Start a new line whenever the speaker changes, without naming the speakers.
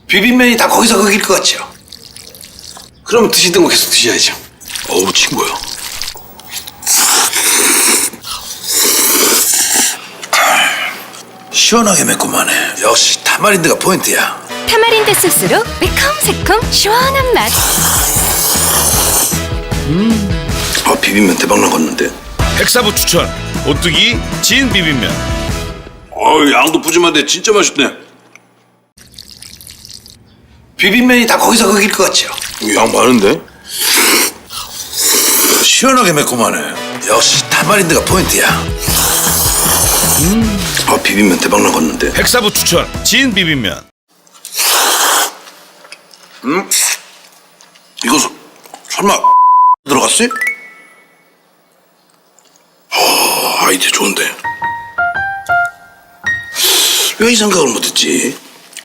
비빔면이 다 거기서 거길 것 같죠? 그러면 드시던 거 계속 드셔야죠.
어우, 친구야.
시원하게 매콤하네. 역시 타마린드가 포인트야.
타마린드 소스로 매콤새콤 시원한 맛.
비빔면 대박 나갔는데.
백사부 추천 오뚜기 진 비빔면.
양도 푸짐한데 진짜 맛있네. 비빔면이 다 거기서 거길 것 같죠?
양 많은데?
시원하게 매콤하네. 역시 타마린드가 포인트야. 비빔면 대박 나갔는데.
백사부 추천 진 비빔면.
이거 설마 들어갔어요? 아이디어 좋은데. 왜 이 생각을 못했지?